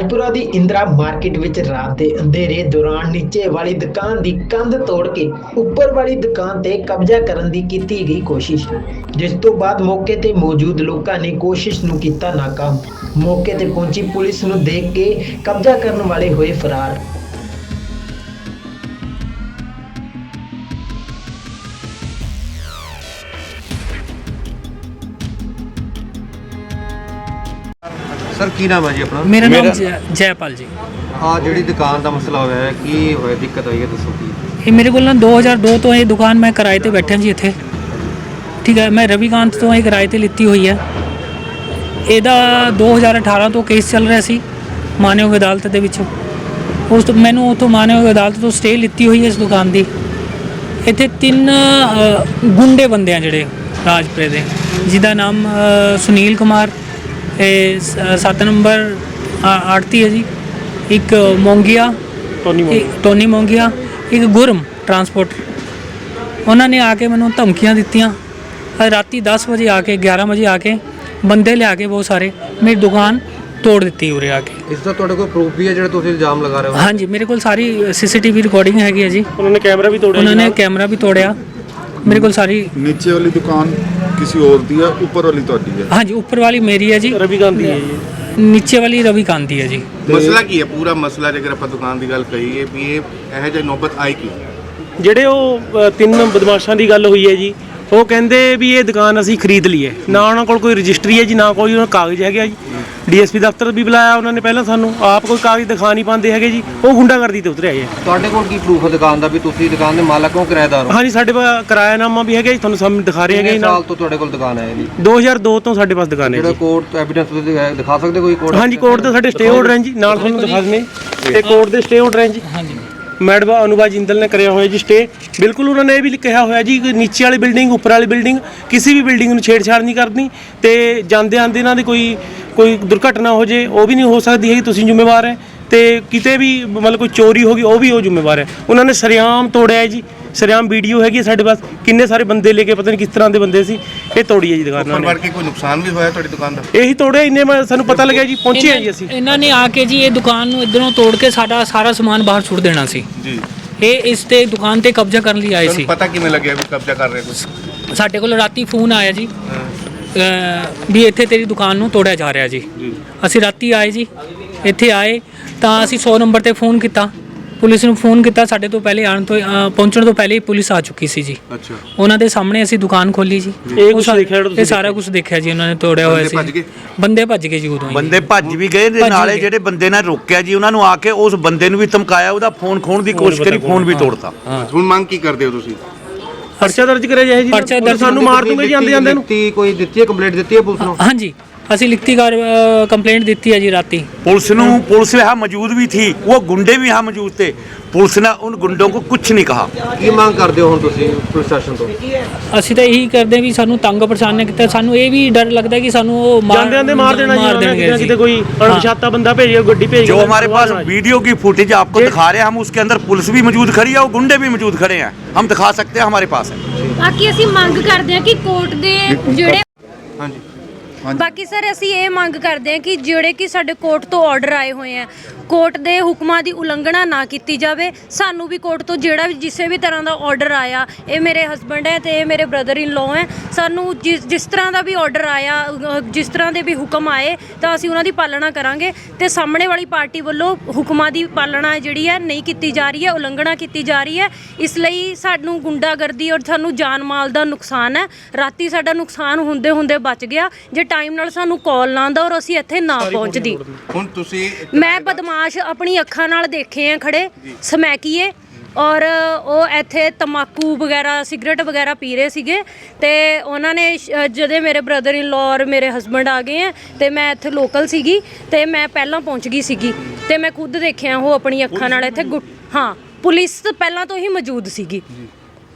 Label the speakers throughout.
Speaker 1: ਰਾਜਪੁਰਾ ਦੀ Indira market ਵਿੱਚ ਰਾਤ ਦੇ ਅੰਧੇਰੇ ਦੌਰਾਨ ਨੀਚੇ ਵਾਲੀ ਦੁਕਾਨ ਦੀ ਕੰਧ ਤੋੜ ਕੇ ਉੱਪਰ ਵਾਲੀ ਦੁਕਾਨ ਤੇ ਕਬਜ਼ਾ ਕਰਨ ਦੀ ਕੀਤੀ ਗਈ ਕੋਸ਼ਿਸ਼, ਜਿਸ ਤੋਂ ਬਾਅਦ ਮੌਕੇ ਤੇ ਮੌਜੂਦ ਲੋਕਾਂ ਨੇ ਕੋਸ਼ਿਸ਼ ਨੂੰ ਕੀਤਾ ਨਾਕਾਮ। ਮੌਕੇ ਤੇ ਪਹੁੰਚੀ ਪੁਲਿਸ ਨੂੰ ਦੇਖ ਕੇ ਕਬਜ਼ਾ ਕਰਨ ਵਾਲੇ ਹੋਏ ਫਰਾਰ।
Speaker 2: सर की नाम है जी अपना?
Speaker 3: मेरा नाम जयपाल जी।
Speaker 2: हाँ जी दुकान का मसला होया है की होया दिक्कत आई है दसो की?
Speaker 3: ये मेरे को 2002 तो ये दुकान मैं किराए ते बैठा जी इत्थे, ठीक है। मैं रविकांत तो ये किराए ते लिੱਤੀ हुई है। ਇਹਦਾ 2018 ਤੋਂ ਕੇਸ ਚੱਲ ਰਿਹਾ ਸੀ ਮਾਨਯੋਗ ਅਦਾਲਤ ਦੇ ਵਿੱਚ। ਉਸ ਤੋਂ ਮੈਨੂੰ ਉੱਥੋਂ ਮਾਨਯੋਗ ਅਦਾਲਤ ਤੋਂ ਸਟੇ ਲਿੱਤੀ ਹੋਈ ਹੈ ਇਸ ਦੁਕਾਨ ਦੀ। ਇੱਥੇ 3 ਗੁੰਡੇ ਬੰਦੇ ਆ ਜਿਹੜੇ ਰਾਜਪੁਰੇ ਦੇ, ਜਿਹਦਾ ਨਾਮ ਸੁਨੀਲ ਕੁਮਾਰ 7 ਨੰਬਰ ਆੜਤੀ ਹੈ ਜੀ, ਇੱਕ ਮੋਂਗੀਆ ਟੋਨੀ ਮੋਂਗੀਆ, ਇੱਕ ਗੁਰਮ ਟਰਾਂਸਪੋਰਟ। ਉਹਨਾਂ ਨੇ ਆ ਕੇ ਮੈਨੂੰ ਧਮਕੀਆਂ ਦਿੱਤੀਆਂ। ਰਾਤੀ 10 ਵਜੇ ਆ ਕੇ 11 ਵਜੇ ਆ ਕੇ ਬੰਦੇ ਲਿਆ ਕੇ ਬਹੁਤ ਸਾਰੇ ਮੇਰੀ ਦੁਕਾਨ ਤੋੜ ਦਿੱਤੀ ਉਰੇ ਆ ਕੇ।
Speaker 2: ਇਸ ਦਾ ਤੁਹਾਡੇ ਕੋਲ ਪ੍ਰੂਫ ਵੀ ਹੈ ਜਿਹੜਾ ਤੁਸੀਂ ਇਲਜ਼ਾਮ ਲਗਾ ਰਹੇ ਹੋ?
Speaker 3: ਹਾਂਜੀ, ਮੇਰੇ ਕੋਲ ਸਾਰੀ CCTV ਰਿਕਾਰਡਿੰਗ ਹੈਗੀ ਹੈ ਜੀ।
Speaker 2: ਉਹਨਾਂ ਨੇ ਕੈਮਰਾ ਵੀ ਤੋੜਿਆ?
Speaker 3: ਉਹਨਾਂ ਨੇ ਕੈਮਰਾ ਵੀ ਤੋੜਿਆ। मेरे को सारी
Speaker 4: नीचे वाली दुकान किसी और दी है, ऊपर वाली तो है?
Speaker 3: हाँ जी, ऊपर वाली मेरी है जी,
Speaker 2: रविकांत दी है जी।
Speaker 3: नीचे वाली रविकांत दी है जी।
Speaker 4: मसला की है पूरा मसला जेकर ਆਪਾਂ ਦੁਕਾਨ ਦੀ ਗੱਲ ਕਰੀਏ ਵੀ ਇਹ ਜਿਹੀ ਨੌਬਤ ਆਈ ਕੀ?
Speaker 5: ਜਿਹੜੇ ਉਹ 3 ਬਦਮਾਸ਼ਾਂ ਦੀ ਗੱਲ ਹੋਈ ਹੈ ਜੀ, ਉਹ ਕਹਿੰਦੇ ਵੀ ਇਹ ਦੁਕਾਨ ਅਸੀਂ ਖਰੀਦ ਲਈ ਹੈ। ਨਾ ਉਹਨਾਂ ਕੋਲ ਕੋਈ ਰਜਿਸਟਰੀ ਹੈ ਜੀ, ਨਾ ਕੋਈ ਉਹਨਾਂ ਕਾਗਜ਼ ਹੈਗਾ ਜੀ। DSP ਦਫ਼ਤਰ ਵੀ ਬੁਲਾਇਆ ਉਹਨਾਂ ਨੇ ਪਹਿਲਾਂ, ਸਾਨੂੰ ਆਪ ਕੋਈ ਕਾਗਜ਼ ਦਿਖਾ ਨਹੀਂ ਪਾਉਂਦੇ ਹੈਗੇ ਜੀ। ਉਹ ਗੁੰਡਾਗਰਦੀ ਤੇ ਉਤਰੇ ਆਏ।
Speaker 2: ਤੁਹਾਡੇ ਕੋਲ ਕੀ ਪ੍ਰੂਫ ਹੈ ਦੁਕਾਨ ਦਾ ਵੀ ਤੁਸੀਂ ਦੁਕਾਨ ਦੇ ਮਾਲਕ ਹੋ, ਕਿਰਾਏਦਾਰ ਹੋ?
Speaker 5: ਹਾਂਜੀ, ਸਾਡੇ ਕੋਲ ਕਿਰਾਇਆਨਾਮਾ ਵੀ ਹੈਗਾ ਜੀ, ਤੁਹਾਨੂੰ ਸਾਹਮਣੇ ਦਿਖਾ ਰਹੇ ਹੈਗੇ ਜੀ।
Speaker 2: ਸਾਲ ਤੋਂ ਤੁਹਾਡੇ ਕੋਲ ਦੁਕਾਨ ਹੈ ਜੀ?
Speaker 5: 2002 ਤੋਂ ਸਾਡੇ ਪਾਸ ਦੁਕਾਨ ਹੈ
Speaker 2: ਜਿਹੜਾ
Speaker 5: ਜੀ।
Speaker 2: ਕੋਰਟ ਐਵੀਡੈਂਸ ਤੁਸੀਂ ਦਿਖਾ ਸਕਦੇ ਕੋਈ ਕੋਰਟ?
Speaker 5: ਹਾਂਜੀ, ਕੋਰਟ ਦੇ ਸਾਡੇ ਸਟੇ ਆਰਡਰ ਹੈ ਜੀ, ਨਾਲ ਤੁਹਾਨੂੰ ਦਿਖਾ ਦਿੰਦੇ। ਇਹ ਕੋਰਟ ਦੇ ਸਟੇ ਆਰਡਰ ਹੈ ਜੀ। ਹਾਂਜੀ, ਮੈਡਮ ਅਨੁਭਾ ਜਿੰਦਲ ਨੇ ਕਰਿਆ ਹੋਇਆ ਜੀ ਸਟੇ। ਬਿਲਕੁਲ ਉਹਨਾਂ ਨੇ ਇਹ ਵੀ ਕਿਹਾ ਹੋਇਆ ਜੀ ਕਿ ਨੀਚੇ ਵਾਲੀ ਬਿਲਡਿੰਗ, ਉੱਪਰ ਵਾਲੀ ਬਿਲਡਿੰਗ, ਕਿਸੇ ਵੀ ਬਿਲਡਿੰਗ ਨੂੰ ਛੇੜਛਾੜ ਨਹੀਂ ਕਰਨੀ, ਤੇ ਜਾਂਦੇ ਆਂਦੇ ਇਹਨਾਂ ਦੀ ਕੋਈ ਦੁਰਘਟਨਾ ਹੋ ਜੇ ਉਹ ਵੀ ਨਹੀਂ ਹੋ ਸਕਦੀ ਹੈ। ਤੁਸੀਂ ਜ਼ਿੰਮੇਵਾਰ ਹੈ, ਤੇ ਕਿਤੇ ਵੀ ਮਤਲਬ ਕੋਈ ਚੋਰੀ ਹੋ ਗਈ ਉਹ ਵੀ ਉਹ ਜ਼ਿੰਮੇਵਾਰ ਹੈ। ਉਹਨਾਂ ਨੇ ਸਰਿਆਮ ਤੋੜਿਆ ਜੀ, ਸਰਿਆਮ ਵੀਡੀਓ ਹੈਗੀ ਸਾਡੇ ਪਾਸ, ਕਿੰਨੇ ਸਾਰੇ ਬੰਦੇ ਲੈ ਕੇ, ਪਤਾ ਨਹੀਂ ਕਿਸ ਤਰ੍ਹਾਂ ਦੇ ਬੰਦੇ ਸੀ, ਇਹ ਤੋੜੀ ਹੈ ਜੀ ਦੁਕਾਨ ਨਾਲ।
Speaker 4: ਉੱਪਰ ਕੋਈ ਨੁਕਸਾਨ ਵੀ ਹੋਇਆ ਤੁਹਾਡੀ ਦੁਕਾਨ ਦਾ?
Speaker 5: ਇਹੀ ਤੋੜਿਆ, ਇੰਨੇ ਸਾਨੂੰ ਪਤਾ ਲੱਗਿਆ ਜੀ, ਪਹੁੰਚੇ ਆ ਜੀ ਅਸੀਂ।
Speaker 3: ਇਹਨਾਂ ਨੇ ਆ ਕੇ ਜੀ ਇਹ ਦੁਕਾਨ ਨੂੰ ਇਧਰੋਂ ਤੋੜ ਕੇ ਸਾਡਾ ਸਾਰਾ ਸਮਾਨ ਬਾਹਰ ਸੁੱਟ ਦੇਣਾ ਸੀ
Speaker 4: ਜੀ।
Speaker 3: ਇਹ ਇਸ ਤੇ ਦੁਕਾਨ ਤੇ ਕਬਜ਼ਾ ਕਰਨ ਲਈ ਆਏ ਸੀ।
Speaker 4: ਪਤਾ ਕਿਵੇਂ ਲੱਗਿਆ ਵੀ ਕਬਜ਼ਾ ਕਰ ਰਹੇ ਕੋਈ?
Speaker 3: ਸਾਡੇ ਕੋਲ ਰਾਤੀ ਫੋਨ ਆਇਆ ਜੀ ਵੀ ਇੱਥੇ ਤੇਰੀ ਦੁਕਾਨ ਨੂੰ ਤੋੜਿਆ ਜਾ ਰਿਹਾ ਜੀ। ਅਸੀਂ ਰਾਤੀ ਆਏ ਜੀ, ਇੱਥੇ ਆਏ ਤਾਂ ਅਸੀਂ 100 ਨੰਬਰ ਤੇ ਫੋਨ ਕੀਤਾ, ਪੁਲਿਸ ਨੂੰ ਫੋਨ ਕੀਤਾ। ਸਾਡੇ ਤੋਂ ਪਹਿਲੇ ਪਹੁੰਚਣ ਤੋਂ ਪਹਿਲੇ ਹੀ ਪੁਲਿਸ ਆ ਚੁੱਕੀ ਸੀ ਜੀ।
Speaker 4: ਅੱਛਾ, ਉਹਨਾਂ
Speaker 3: ਦੇ ਸਾਹਮਣੇ ਅਸੀਂ ਦੁਕਾਨ ਖੋਲੀ ਜੀ। ਇਹ ਸਾਰਾ ਕੁਝ ਦੇਖਿਆ ਜੀ, ਉਹਨਾਂ ਨੇ ਤੋੜਿਆ ਹੋਇਆ ਸੀ। ਬੰਦੇ ਭੱਜ ਗਏ ਜੀ ਉਦੋਂ ਹੀ।
Speaker 6: ਬੰਦੇ ਭੱਜ ਵੀ ਗਏ, ਨਾਲੇ ਜਿਹੜੇ ਬੰਦੇ ਨੇ ਰੋਕਿਆ ਜੀ ਉਹਨਾਂ ਨੂੰ ਆ ਕੇ ਉਸ ਬੰਦੇ ਨੂੰ ਵੀ ਧਮਕਾਇਆ, ਉਹਦਾ ਫੋਨ ਖੋਣ ਦੀ ਕੋਸ਼ਿਸ਼ ਕਰੀ, ਫੋਨ ਵੀ ਤੋੜਤਾ।
Speaker 4: ਹੁਣ ਮੰਗ ਕੀ ਕਰਦੇ ਹੋ ਤੁਸੀਂ?
Speaker 5: ਪਰਚਾ ਦਰਜ ਕਰਿਆ ਜਾਏ ਜੀ।
Speaker 3: ਪਰਚਾ ਦਰਜ,
Speaker 5: ਸਾਨੂੰ ਮਾਰ ਦੂੰਗੇ ਜੀ ਆਂਦੇ ਜਾਂਦੇ ਨੂੰ।
Speaker 2: ਕੋਈ ਦਿੱਤੀ ਹੈ ਕੰਪਲੇਂਟ ਦਿੱਤੀ ਹੈ ਪੁਲਿਸ ਨੂੰ?
Speaker 3: ਹਾਂਜੀ, ਅਸੀਂ ਲਿਖਤੀ कंप्लेंट दी है जी राती।
Speaker 6: पुलिस यहाँ मौजूद भी थी, वो गुंडे भी यहाँ मौजूद थे। पुलिस ने उन गुंडों को कुछ नहीं कहा।
Speaker 2: ਕੀ ਮੰਗ ਕਰਦੇ ਹੋ ਹੁਣ ਤੁਸੀਂ ਪ੍ਰਸ਼ਾਸਨ ਤੋਂ?
Speaker 3: ਅਸੀਂ ਤਾਂ ਇਹੀ ਕਰਦੇ ਵੀ ਸਾਨੂੰ ਤੰਗ ਪਰੇਸ਼ਾਨ ਕੀਤਾ। ਸਾਨੂੰ ਇਹ ਵੀ ਡਰ ਲੱਗਦਾ ਕਿ ਸਾਨੂੰ ਉਹ
Speaker 5: ਜਾਂਦੇ ਆਂਦੇ ਮਾਰ ਦੇਣਗੇ, ਕਿਤੇ ਕੋਈ ਅਣਪਛਾਤਾ ਬੰਦਾ ਭੇਜੇ, ਗੱਡੀ ਭੇਜ।
Speaker 6: जो हमारे पास वीडियो की फुटेज आपको दिखा रहे हैं, हम उसके अंदर पुलिस भी मौजूद खड़ी है और गुंडे भी मौजूद खड़े हैं, हम दिखा सकते हैं, हमारे पास है।
Speaker 7: ਬਾਕੀ ਅਸੀਂ ਮੰਗ ਕਰਦੇ ਹਾਂ ਕਿ ਕੋਰਟ ਦੇ ਜਿਹੜੇ
Speaker 2: ਹਾਂਜੀ
Speaker 7: ਬਾਕੀ ਸਰ ਅਸੀਂ ਇਹ ਮੰਗ ਕਰਦੇ ਹਾਂ ਕਿ ਜਿਹੜੇ ਕਿ ਸਾਡੇ ਕੋਰਟ ਤੋਂ ਆਰਡਰ ਆਏ ਹੋਏ ਆ, ਕੋਰਟ ਦੇ ਹੁਕਮਾਂ ਦੀ ਉਲੰਘਣਾ ਨਾ ਕੀਤੀ ਜਾਵੇ। ਸਾਨੂੰ ਵੀ ਕੋਰਟ ਤੋਂ ਜਿਹੜਾ ਵੀ ਜਿਸੇ ਵੀ ਤਰ੍ਹਾਂ ਦਾ ਆਰਡਰ ਆਇਆ, ਇਹ ਮੇਰੇ ਹਸਬੈਂਡ ਹੈ ਤੇ ਇਹ ਮੇਰੇ ਬ੍ਰਦਰ ਇਨ ਲਾਅ ਹੈ, ਸਾਨੂੰ ਜਿਸ ਤਰ੍ਹਾਂ ਦਾ ਵੀ ਆਰਡਰ ਆਇਆ, ਜਿਸ ਤਰ੍ਹਾਂ ਦੇ ਵੀ ਹੁਕਮ ਆਏ ਤਾਂ ਅਸੀਂ ਉਹਨਾਂ ਦੀ ਪਾਲਣਾ ਕਰਾਂਗੇ। ਤੇ ਸਾਹਮਣੇ ਵਾਲੀ ਪਾਰਟੀ ਵੱਲੋਂ ਹੁਕਮਾਂ ਦੀ ਪਾਲਣਾ ਜਿਹੜੀ ਹੈ ਨਹੀਂ ਕੀਤੀ ਜਾ ਰਹੀ ਹੈ, ਉਲੰਘਣਾ ਕੀਤੀ ਜਾ ਰਹੀ ਹੈ। ਇਸ ਲਈ ਸਾਨੂੰ ਗੁੰਡਾਗਰਦੀ ਔਰ ਸਾਨੂੰ ਜਾਨ ਮਾਲ ਦਾ ਨੁਕਸਾਨ ਹੈ। ਰਾਤੀ ਸਾਡਾ ਨੁਕਸਾਨ ਹੁੰਦੇ ਹੁੰਦੇ ਬਚ ਗਿਆ ਜੇ ਟਾਈਮ ਨਾਲ ਸਾਨੂੰ ਕਾਲ ਨਾ ਆਉਂਦਾ ਔਰ ਅਸੀਂ ਇੱਥੇ ਨਾ ਪਹੁੰਚਦੀ।
Speaker 4: ਹੁਣ ਤੁਸੀਂ
Speaker 7: ਮੈਂ ਬਦਮਾਸ਼ ਆਪਣੀ ਅੱਖਾਂ ਨਾਲ ਦੇਖੇ ਆ ਖੜੇ ਸਮੈਕੀਏ, ਔਰ ਉਹ ਇੱਥੇ ਤੰਬਾਕੂ ਵਗੈਰਾ, ਸਿਗਰਟ ਵਗੈਰਾ ਪੀ ਰਹੇ ਸੀਗੇ। ਤੇ ਉਹਨਾਂ ਨੇ ਜਦੋਂ ਮੇਰੇ ਬ੍ਰਦਰ ਇਨ ਲਾਅ ਔਰ ਮੇਰੇ ਹਸਬੈਂਡ ਆ ਗਏ ਆ ਤੇ ਮੈਂ ਇੱਥੇ ਲੋਕਲ ਸੀਗੀ ਤੇ ਮੈਂ ਪਹਿਲਾਂ ਪਹੁੰਚ ਗਈ ਸੀਗੀ ਤੇ ਮੈਂ ਖੁਦ ਦੇਖਿਆ ਉਹ ਆਪਣੀ ਅੱਖਾਂ ਨਾਲ ਇੱਥੇ। ਹਾਂ, ਪੁਲਿਸ ਪਹਿਲਾਂ ਤੋਂ ਹੀ ਮੌਜੂਦ ਸੀਗੀ।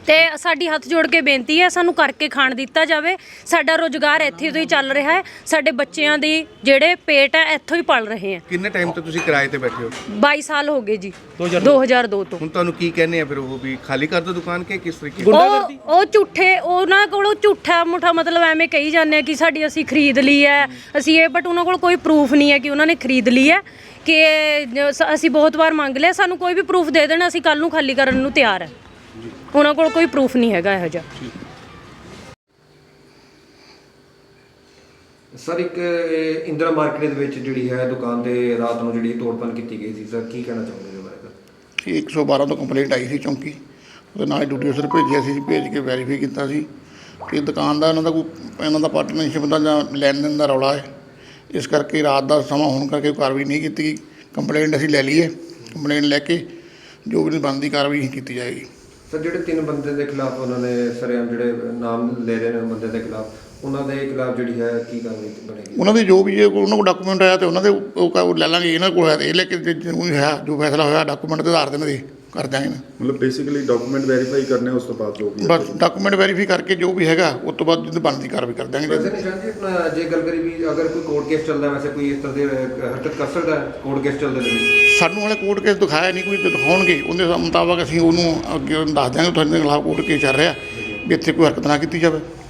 Speaker 7: ਤੇ ਸਾਡੀ ਹੱਥ ਜੋੜ ਕੇ ਬੇਨਤੀ ਹੈ, ਸਾਨੂੰ ਕਰਕੇ ਖਾਣ ਦਿੱਤਾ ਜਾਵੇ। ਸਾਡਾ ਰੋਜ਼ਗਾਰ ਇੱਥੇ ਤੋਂ ਹੀ ਚੱਲ ਰਿਹਾ ਹੈ, ਸਾਡੇ ਬੱਚਿਆਂ ਦੀ ਜਿਹੜੇ ਪੇਟ ਹੈ ਇੱਥੋਂ ਹੀ ਪਲ ਰਹੇ ਹੈ।
Speaker 4: ਕਿੰਨੇ ਟਾਈਮ ਤੋਂ ਤੁਸੀਂ ਕਿਰਾਏ ਤੇ ਬੈਠੇ ਹੋ?
Speaker 7: 22 ਸਾਲ ਹੋ ਗਏ ਜੀ, 2002 ਤੋਂ।
Speaker 4: ਹੁਣ ਤੁਹਾਨੂੰ ਕੀ ਕਹਿੰਦੇ ਆ ਫਿਰ ਉਹ ਵੀ ਖਾਲੀ ਕਰ ਦਿਓ ਦੁਕਾਨ ਕੇ ਕਿਸ ਤਰੀਕੇ?
Speaker 7: ਉਹ ਝੂਠੇ, ਉਹਨਾਂ ਕੋਲੋਂ ਝੂਠਾ ਮੁੱਠਾ ਮਤਲਬ ਐਵੇਂ ਕਹੀ ਜਾਂਦੇ ਆ ਕਿ ਸਾਡੀ ਅਸੀਂ ਖਰੀਦ ਲਈ ਹੈ, ਅਸੀਂ ਇਹ, ਬਟ ਉਹਨਾਂ ਕੋਲ ਕੋਈ ਪ੍ਰੂਫ ਨਹੀਂ ਹੈ ਕਿ ਉਹਨਾਂ ਨੇ ਖਰੀਦ ਲਈ ਹੈ। ਕਿ ਅਸੀਂ ਬਹੁਤ ਵਾਰ ਮੰਗ ਲਿਆ, ਸਾਨੂੰ ਕੋਈ ਵੀ ਪ੍ਰੂਫ ਦੇ ਦੇਣ, ਅਸੀਂ ਕੱਲ ਨੂੰ ਖਾਲੀ ਕਰਨ ਨੂੰ ਤਿਆਰ ਹੈ। ਉਹਨਾਂ ਕੋਲ ਕੋਈ ਪ੍ਰੂਫ ਨਹੀਂ ਹੈਗਾ ਇਹੋ ਜਿਹਾ।
Speaker 2: ਸਰ ਇੱਕ ਇੰਦਰਾ ਮਾਰਕੀਟ ਦੇ ਵਿੱਚ ਜਿਹੜੀ ਹੈ ਦੁਕਾਨ ਤੇ ਰਾਤ ਨੂੰ ਜਿਹੜੀ ਤੋੜਪਨ ਕੀਤੀ ਗਈ ਸੀ, ਸਰ ਕੀ ਕਹਿਣਾ ਚਾਹੁੰਦੇ ਹੋ ਬਾਰੇ?
Speaker 8: ਕਿ 112 ਤੋਂ ਕੰਪਲੇਂਟ ਆਈ ਸੀ ਚੌਂਕੀ, ਉਹਦੇ ਨਾਲ ਡਿਊਟੀ ਅਫਸਰ ਭੇਜਿਆ ਸੀ, ਭੇਜ ਕੇ ਵੈਰੀਫਾਈ ਕੀਤਾ ਸੀ ਕਿ ਦੁਕਾਨ ਦਾ ਇਹਨਾਂ ਦਾ ਪਾਰਟਨਰਸ਼ਿਪ ਦਾ ਜਾਂ ਲੈਣ ਦੇਣ ਦਾ ਰੌਲਾ ਹੈ। ਇਸ ਕਰਕੇ ਰਾਤ ਦਾ ਸਮਾਂ ਹੋਣ ਕਰਕੇ ਕਾਰਵਾਈ ਨਹੀਂ ਕੀਤੀ ਗਈ। ਕੰਪਲੇਂਟ ਅਸੀਂ ਲੈ ਲਈ ਹੈ, ਕੰਪਲੇਂਟ ਲੈ ਕੇ ਜੋ ਵੀ ਬਣਦੀ ਕਾਰਵਾਈ ਕੀਤੀ ਜਾਏਗੀ।
Speaker 2: ਸਰ ਜਿਹੜੇ 3 ਬੰਦੇ ਦੇ ਖਿਲਾਫ ਉਹਨਾਂ ਨੇ ਸਰੇਆਮ ਜਿਹੜੇ ਨਾਮ ਲੈ ਰਹੇ ਨੇ ਬੰਦੇ ਦੇ ਖਿਲਾਫ, ਉਹਨਾਂ ਦੇ ਖਿਲਾਫ ਜਿਹੜੀ ਹੈ ਕੀ ਕਾਰਵਾਈ ਬਣੇਗੀ?
Speaker 8: ਉਹਨਾਂ ਦੇ ਜੋ ਵੀ ਜੇ ਉਹਨਾਂ ਕੋਲ ਡਾਕੂਮੈਂਟ ਆਇਆ ਤੇ ਉਹਨਾਂ ਦੇ ਉਹ ਲੈ ਲਾਂਗੇ। ਇਹਨਾਂ ਕੋਲ ਹੈ ਤੇ ਇਹ ਲੈ ਕੇ ਜੋ ਹੈ, ਜੋ ਫੈਸਲਾ ਹੋਇਆ ਡਾਕੂਮੈਂਟ ਦੇ ਆਧਾਰ 'ਤੇ ਇਹਨਾਂ ਦੇ ਕਰ ਦਿਆਂਗੇ।
Speaker 9: ਮਤਲਬ ਬੇਸਿਕਲੀ ਡਾਕੂਮੈਂਟ ਵੈਰੀਫਾਈ ਕਰਨੇ, ਉਸ ਤੋਂ ਬਾਅਦ ਜੋ ਵੀ
Speaker 8: ਬਸ ਡਾਕੂਮੈਂਟ ਵੈਰੀਫਾਈ ਕਰਕੇ ਜੋ ਵੀ ਹੈਗਾ ਉਸ ਤੋਂ ਬਾਅਦ ਜਿੱਦ ਬਣਦੀ ਕਾਰਵਾਈ ਕਰ ਦਿਆਂਗੇ।
Speaker 2: ਵੈਸੇ ਨਿਸ਼ਾਨ ਜੀ ਆਪਣਾ ਜੇ ਗੱਲ ਕਰੀ ਵੀ ਅਗਰ ਕੋਈ ਕੋਰਟ ਕੇਸ ਚੱਲਦਾ, ਵੈਸੇ ਕੋਈ ਇਸ ਤਰ੍ਹਾਂ ਦੇ ਹਰਕਤ ਕਰ ਸਕਦਾ ਕੋਰਟ ਕੇਸ ਚੱਲਦੇ ਨੇ?
Speaker 8: ਸਾਨੂੰ ਹਾਲੇ ਕੋਰਟ ਕੇਸ ਦਿਖਾਇਆ ਨਹੀਂ, ਕੋਈ ਦਿਖਾਉਣਗੇ ਉਹਦੇ ਮੁਤਾਬਕ ਅਸੀਂ ਉਹਨੂੰ ਅੱਗੇ ਦੱਸ ਦਿਆਂਗੇ ਤੁਹਾਡੇ ਖਿਲਾਫ ਕੋਰਟ ਕੇਸ ਚੱਲ ਰਿਹਾ ਵੀ ਇੱਥੇ ਕੋਈ ਹਰਕਤ ਨਾ ਕੀਤੀ ਜਾਵੇ।